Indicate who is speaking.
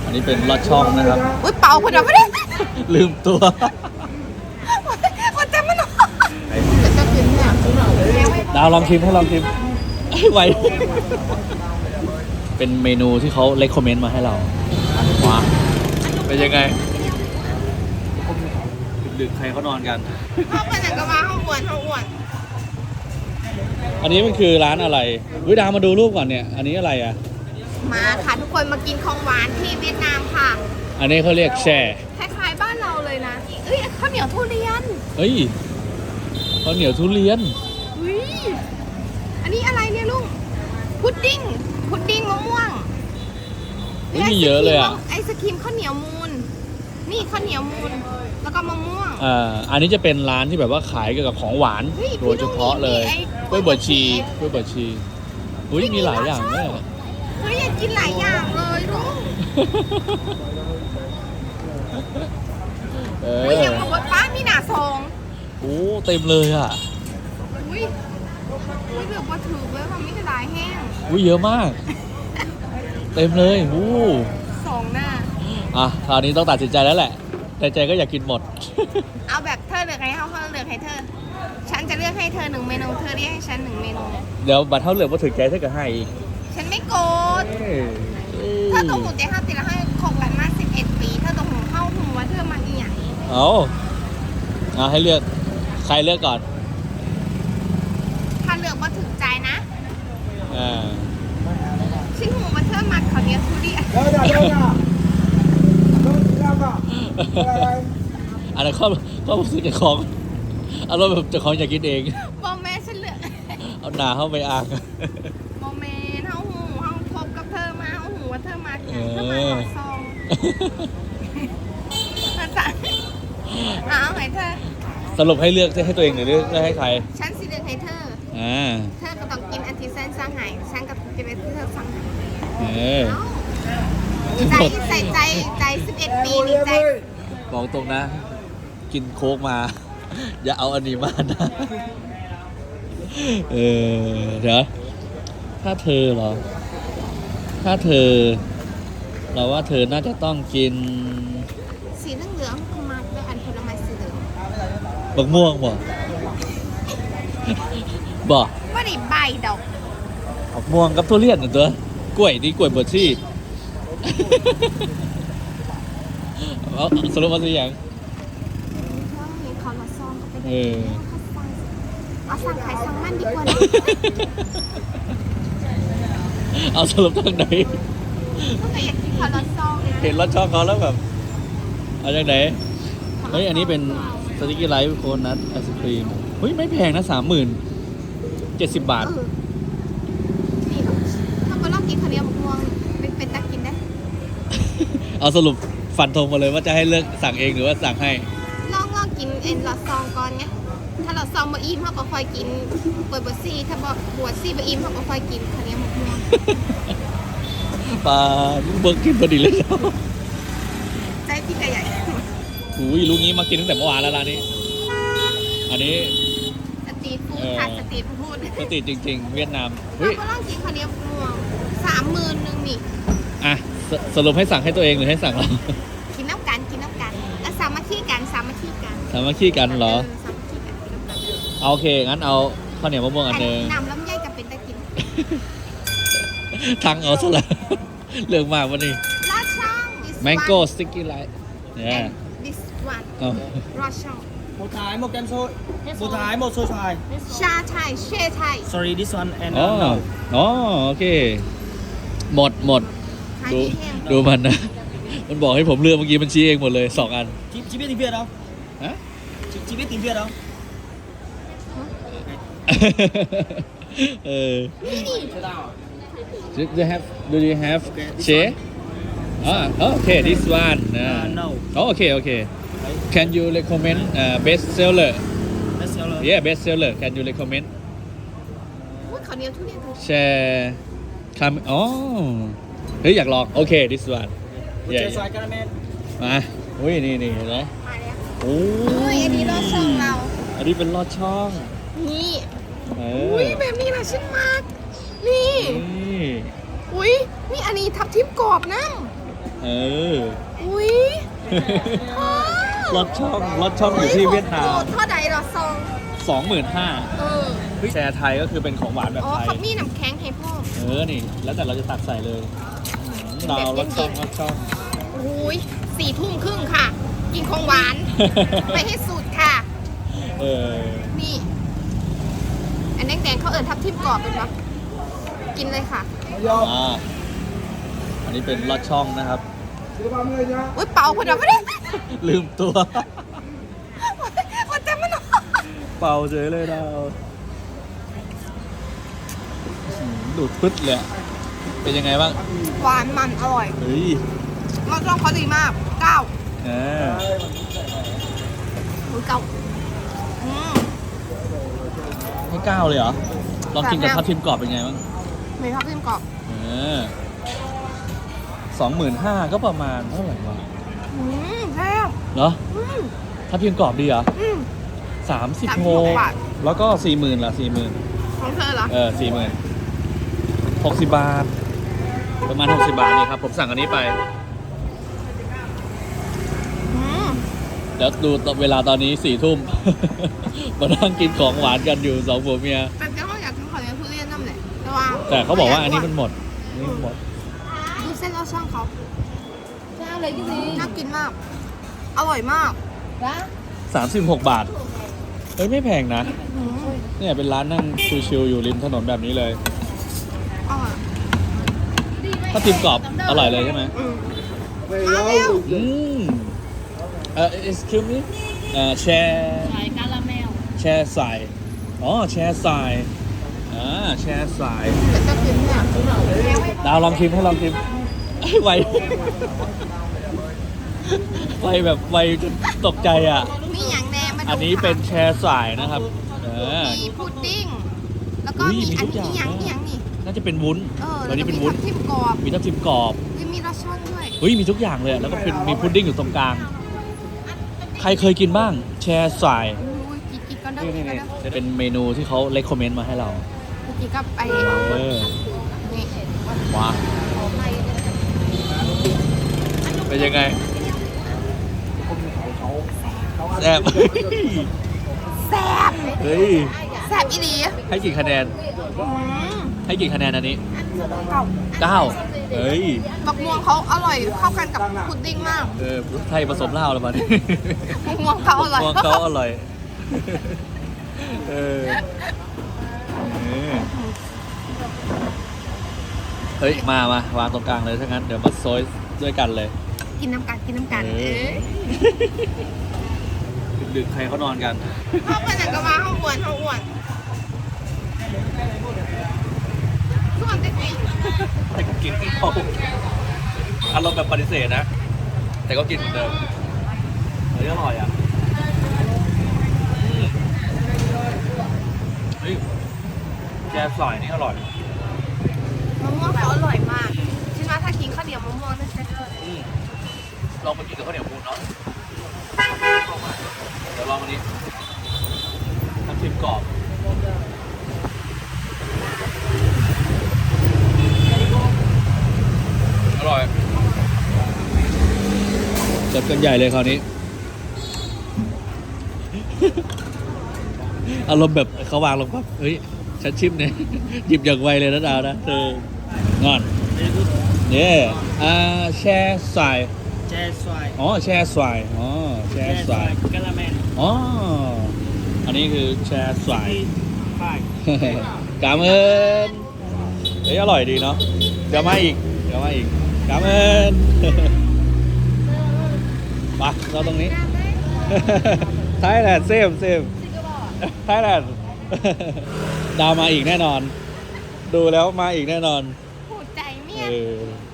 Speaker 1: อันนี้เป็นลอดช่องนะครับ
Speaker 2: อุ้ยเป่าคนเดียวไม่ได้
Speaker 1: ลืมตัว
Speaker 2: มันจะมันจะกินเนี่ย
Speaker 1: ดาวลองชิมให้ลองชิมไหวเป็นเมนูที่เขาเลคคอมเมนต์มาให้เราว้าเป็นยังไงดึกๆใครเขานอนกัน
Speaker 2: เข้าไปไหนก็มาเข้าอ้วนเข้าอ้วน
Speaker 1: อันนี้มันคือร้านอะไรวิดามาดูรูปก่อนเนี่ยอันนี้อะไรอ่ะ
Speaker 2: มาค่ะทุกคนมากินของหวานที่เวียดนามค่ะ
Speaker 1: อันนี้เขาเรียกแช่
Speaker 2: คล้ายๆบ้านเราเลยนะเอ้ยข้าวเหนียวทุเรียน
Speaker 1: เฮ้ยข้าวเหนียวทุเรียน
Speaker 2: อุ้ยอันนี้อะไรเนี่ยลุงพุดดิ้งมะม่วง
Speaker 1: ไม่มีเยอะเลยอ่ะ
Speaker 2: ไอศครีมข้าวเหนียวมูนนี่ข้าวเหนียวมูนแล้วก็มะม่วง
Speaker 1: อันนี้จะเป็นร้านที่แบบว่าขายเกี่ยวกับของหวาน
Speaker 2: เฮ้ย
Speaker 1: โดยเฉพาะเลย
Speaker 2: พี่
Speaker 1: กล้วยบวชชีกล้วยบวชชีอุ้ยมีหลายอย่างเนี่ย
Speaker 2: เฮ้ยอยากกินหลายอย่างเลยลุง
Speaker 1: เอ
Speaker 2: อุ้ย
Speaker 1: อ
Speaker 2: อยากบอกว่าป้ามีหนาซอง
Speaker 1: โอ้เต็มเลยอ่ะ
Speaker 2: อุ้ยเหลือว่าถือไว้ว่าไม่กระดายแห้ง
Speaker 1: อุ้ยเยอะมาก เต็มเลยโอ้
Speaker 2: สองหน้า
Speaker 1: อ่ะคราวนี้ต้องตัดสินใจแล้วแหละแต่ใจก็อยากกินหมด
Speaker 2: เอาแบบเธอเลือกให้เขาเลือกให้เธอ ฉันจะเลือกให้เธอหนึ่งเมนูเธอเรียกให้ฉันหนึ่งเมนู
Speaker 1: เดี๋ยวบัตรเท่าเหลือมาถึงแกถ้าเกิดให้อีก
Speaker 2: ฉันไม่โกรธเธอต้องหูใจห้าติแล้วให้คบกันมา11 ปีเธอต้องหูเข้าหูว่าเธอมาอีหยัง
Speaker 1: เอาให้เลือกใครเลือกก่อน
Speaker 2: ถ้าเลือกว่าถึงใจนะ
Speaker 1: อ่า
Speaker 2: ฉันหูว่าเธอมาเขาวเหนียวทุเรียน
Speaker 1: อันนั้นก็ซื้อจากของเอารมณ์แบบเจากของอยากกินเอง
Speaker 2: บอแม่ฉันเลือก
Speaker 1: เอาหนาเข้าไปอ่าง
Speaker 2: บอแม่เฮาหูเฮาคบกับเธอมาเฮาหูว่าเธอมาเธอมาหอซองภาษาเอาให้เธอ
Speaker 1: สรุปให้เลือกให้ตัวเองหรือเลือกให้ใคร
Speaker 2: ฉันสิเลือกให้เธอ เธอก็ต้องกินอันที่แสนสร้างหายฉันก็กินอันที่เธอสั่งหาย ใจใส่ใจ11 ปีนี่ใจ
Speaker 1: บอกตรงนะ กินโค้กมา อย่าเอาอันนี้มานะเดี๋ยวถ้าเธอเหรอ ถ้าเธอ เราว่าเธอน่าจะต้องกิน
Speaker 2: สีเหลืองๆคือมาด้วยอันผลไม้สีเหลือง
Speaker 1: บักม่วงบ่บ่
Speaker 2: ว่าได้ใบดอก
Speaker 1: บักม่วงกับทุเรียนน่ะตัวกล้วยดีกล้วยบดชี่เอาสรุปว่าสิอย่าง
Speaker 2: เขาละซองก็ไป
Speaker 1: เอ
Speaker 2: ได้
Speaker 1: อ
Speaker 2: เอาสั่งขายสั่งมันดีกว่านะ
Speaker 1: เอาสรุปทางไหน
Speaker 2: ก็อยากกินเขาละซองนะ
Speaker 1: เห็นรถช่องเขาแล้วแบบ เอาจากไหน เฮ้ย อันนี้เป็นสติกกี้ไลท์โคนนัทไอศครีม เฮ้ย ไม่แพงนะ 70,000 บาท
Speaker 2: นี่ถ้าไปลองกินข้าวเหนียวมะม่วงเป็นตะกินได้
Speaker 1: เอาสรุปฟันธงมาเลยว่าจะให้เลือกสั่งเองหรือว่าสั่งให้
Speaker 2: ลองกินเอ็นละซองก่อนไงถ้าละซองบะอิ่มเขาก็ค่อยกินเปิดบะซี่ถ้าบวชซี่บะอิ่มเขาก็ค่อยกินข้าวเหนียวมะม่วง
Speaker 1: ปลาเบิร์กกินพอดีเลย
Speaker 2: ใจพี่กระใหญ่
Speaker 1: อุ้ยลูกนี้มากินตั้งแต่เมื่อวานแล้วร้านนี้ อันนี้
Speaker 2: สตรีทฟู้ดค่ะสตรีทฟู้ด
Speaker 1: สติจริง ๆ เวียดนาม
Speaker 2: เรา
Speaker 1: เฮ้ย
Speaker 2: ก็ลองกินข้าวเหนียวมะม่วง30,000นึงนี่
Speaker 1: อ่ะสรุปให้สั่งให้ตัวเองหรือให้สั่งเรา
Speaker 2: กินน้ำกันแล้วสามัคคีกัน
Speaker 1: สามัคคีกันเหรอ
Speaker 2: สามัคคีกันกินน้ำกัน
Speaker 1: เอาโอเค งั้นเอาข้าวเหนียวมะม่วงอันหนึง
Speaker 2: น้ำลำไยกับเป็นตะกิน
Speaker 1: ทั้งเอาซะแล้ว เรื่องมากวันนี้
Speaker 2: ลาช่อง this
Speaker 1: Mango
Speaker 2: one
Speaker 1: Sticky Light
Speaker 2: and
Speaker 1: yeah
Speaker 2: this one
Speaker 1: เอา
Speaker 2: รอช่อง
Speaker 3: Một thái, một kem xôi. Một thái, một xôi xoài.
Speaker 2: ชาไทยเชไทย
Speaker 3: Sorry, this one and
Speaker 1: อ๋อ
Speaker 3: no.
Speaker 1: อ๋อโอเค หมด
Speaker 2: ขาย
Speaker 1: ดู
Speaker 2: ดีแห้ง
Speaker 1: ดูมันนะ มันบอกให้ผมเลือกเมื่อกี้มันชี้เองหมดเลย2 อัน
Speaker 3: Chị biết tiếng Việt không?
Speaker 1: ฮะ
Speaker 3: Chị biết tiếng Việt không?
Speaker 1: เออ
Speaker 3: Thế nào?
Speaker 1: Do you have
Speaker 3: Okay, this
Speaker 1: share? Okay, this one.
Speaker 3: No.
Speaker 1: Okay. Can you recommend best seller?
Speaker 3: Best seller.
Speaker 1: Yeah, best seller. Can you recommend?
Speaker 2: พูดข้าวเหนียวทุเรียนถูก
Speaker 1: Share. Come. อ๋อ เฮ้ยอยากลอง โอเค this one.
Speaker 3: Một
Speaker 1: Yeah,
Speaker 3: chai
Speaker 1: yeah.
Speaker 3: xoài caramel.
Speaker 1: มาอุ้ยนี่เห็นไหม
Speaker 2: มาแล้ว
Speaker 1: โอ้
Speaker 2: อุ้ยอันนี้รอช่องเรา
Speaker 1: อันนี้เป็นลอดช่อง
Speaker 2: นี่
Speaker 1: เอ
Speaker 2: อุ้ยแบบนี้นะชิ้นมาก นี่
Speaker 1: นี่
Speaker 2: อุ้ยนี่อันนี้ทับทิมกรอบนะ
Speaker 1: เออ
Speaker 2: อุ้ย
Speaker 1: รถช่องอยู่ที่เวียดนาม
Speaker 2: เท่าใดเหรอซอง
Speaker 1: 25,000
Speaker 2: เออ
Speaker 1: แชร์ไทยก็คือเป็นของหวานแบบ
Speaker 2: อ๋อ
Speaker 1: ไทย
Speaker 2: เขามีน้ำแข็งให้พ่อ
Speaker 1: นี่ แล้วแต่เราจะตักใส่เลยเรารถช่อง
Speaker 2: อุ้ย4:30ค่ะ กินของหวาน ไปให้สุดค่ะ
Speaker 1: เออ
Speaker 2: นี่ อันแดงๆเขาเอิญทับทิมกรอบเป็นปะกินเลยค่ะ
Speaker 1: อันนี้เป็นรถช่องนะครับ
Speaker 2: อุ้ยเป่าพอดีไม่ได้
Speaker 1: ลืมตัว
Speaker 2: มันจะมัน
Speaker 1: เป่าเฉยเลยเราดูดปึ๊ดเลยอะเป็นยังไงบ้าง
Speaker 2: หวานมันอร่อย
Speaker 1: เฮ้ย
Speaker 2: รสชาติเขาดีมาก9
Speaker 1: เออ
Speaker 2: อุ้ยเก่าอืม
Speaker 1: ให้9เลยเหรอ ลองกินกับ
Speaker 2: แบบ
Speaker 1: ทับทิมกรอบเป็นไงบ้าง
Speaker 2: ไม่ทับทิมกรอบ
Speaker 1: 25,000ก็ประมาณเท่าไหร่วะ
Speaker 2: แซ่บ
Speaker 1: เหรอ ทับทิมกรอบดีเหรอ
Speaker 2: 36
Speaker 1: 36
Speaker 2: บาท
Speaker 1: แล้วก็ 40,000ละ40,000
Speaker 2: ของเธอเหรอ
Speaker 1: 40,000 60 บาท ประมาณ 60 บาทนี่ครับ ผมสั่งอันนี้ไป
Speaker 2: อืม
Speaker 1: เดี๋ยวดูเวลาตอนนี้ 4 ทุ่ม มานั่งกินของหวานกันอยู่2ผัวเมีย
Speaker 2: แต่ก็อยากกินของเลี้ยงทุเรียนนั่นแหละแต่ว่า
Speaker 1: แต่เขาบอกว่าอันนี้มันหมดอันนี้มันหมด
Speaker 2: ดูเส้นรสช่องเขาน่ากินมาก อร่อยมาก
Speaker 1: 36 บาท เฮ้ย ไม่แพงนะ
Speaker 2: อืม
Speaker 1: เนี่ยเป็นร้านนั่งชิลๆอยู่ริมถนนแบบนี้เลย
Speaker 2: อร่อย
Speaker 1: ถ้าทิมกรอบอร่อยเลยใช่ไหม
Speaker 2: อืมมาเร็ว
Speaker 1: อืมexcuse me แชร์
Speaker 4: สายกาลาเมล
Speaker 1: แชร์สายอ๋อแชร์สายแชร์สาย
Speaker 2: แต่จะกินเนี่ย
Speaker 1: ดาวลองชิมให้ลองชิมไวไวแบบไวจนตกใจอ่ะ
Speaker 2: มีอย่างแน่มาดู
Speaker 1: อันนี้เป็นแชร์สายนะครับ
Speaker 2: มีพุดดิ้ง แล้วก็
Speaker 1: อุ้ย
Speaker 2: มี
Speaker 1: มี
Speaker 2: อั
Speaker 1: ทุ
Speaker 2: น
Speaker 1: กอย่าง
Speaker 2: นี้อย่าง
Speaker 1: นะ
Speaker 2: นี้อย่างนี่
Speaker 1: น่าจะเป็นวุ้น
Speaker 2: แล้ว
Speaker 1: อันนี้
Speaker 2: ก็
Speaker 1: เป็น
Speaker 2: มี
Speaker 1: วุ้น
Speaker 2: ทับทิมกรอบ
Speaker 1: มีทับทิมกรอบ
Speaker 2: มีรสช่อนด้วย
Speaker 1: เฮ้ยมีทุกอย่างเลยอะแล้วก็เป็นมีพุดดิ้งอยู่ตรงกลาง ใครเคยกินบ้าง แชร์สาย
Speaker 2: อุ้ยกินก็ได้
Speaker 1: นี่
Speaker 2: กินก็ได้
Speaker 1: ๆเป็นเมนูที่เขาเลคคอมเมนต์มาให้เรา
Speaker 2: กินกับไอ้
Speaker 1: เออ
Speaker 2: นี่
Speaker 1: ว้าเป็นยังไงแซ่บ
Speaker 2: แซ่บ
Speaker 1: เฮ้ย
Speaker 2: แซ่บอีหลี
Speaker 1: ให้กี่คะแนน
Speaker 2: อืม
Speaker 1: ให้กี่คะแนนอันนี้
Speaker 2: เก่า
Speaker 1: 9เฮ้ย
Speaker 2: บักม่วงเขาอร่อยเข้ากันกับพุดดิ้งมาก
Speaker 1: ไทยผสมเหล้าแล้วมาดิ
Speaker 2: บักม่วงเขาอร่อย
Speaker 1: มองเขาอร่อย เออเฮ้ย มาวางตรงกลางเลยถ้างั้น เดี๋ยวมาโซยด้วยกันเลย
Speaker 2: กินน้ำกันกินน้ำกัน
Speaker 1: เออ ดึกๆใครเขานอนกัน
Speaker 2: ห้องมันก็มาห้องอ้วนส่วนเด็ก
Speaker 1: แต่ก็กินไม่พออารมณ์แบบปฏิเสธนะ แต่ก็กินเหมือนเดิมเฮ้ยอร่อยอ่ะเฮ้ยแกสอยนี่อร่อย
Speaker 2: มะม่วงเขาอร่อยมากฉันว่าถ้ากินข้าวเหนียวมะม่วงน่าจะ
Speaker 1: ลองมากินกับข้าวเหนียวมูนเนาะเดี๋ยวลองอันนี้น้ำจิ้มกรอบอร่อยจัดกันใหญ่เลยคราวนี้ อารมณ์แบบเขาวางลงปั๊บเฮ้ย ฉันชิมเนี่ย หยิบอย่างไวเลยนะดาวนะเธองอนเนี่ยแช่สาย
Speaker 3: แช่สาย
Speaker 1: อ๋อแช่สายอ๋อแช่สาย
Speaker 3: กาลาเมล
Speaker 1: อ๋ออันนี้คือแช่สาย
Speaker 3: ไฟ
Speaker 1: กามเอินเฮ้ยอร่อยดีเนาะเดี๋ยวมาอีกกามเอิน มาเราตรงนี้ ไทยแลนด์เซมไทยแลนด์ ดาวมาอีกแน่นอน ดูแล้วมาอีกแน่นอน
Speaker 2: หูใจเมีย
Speaker 1: เออ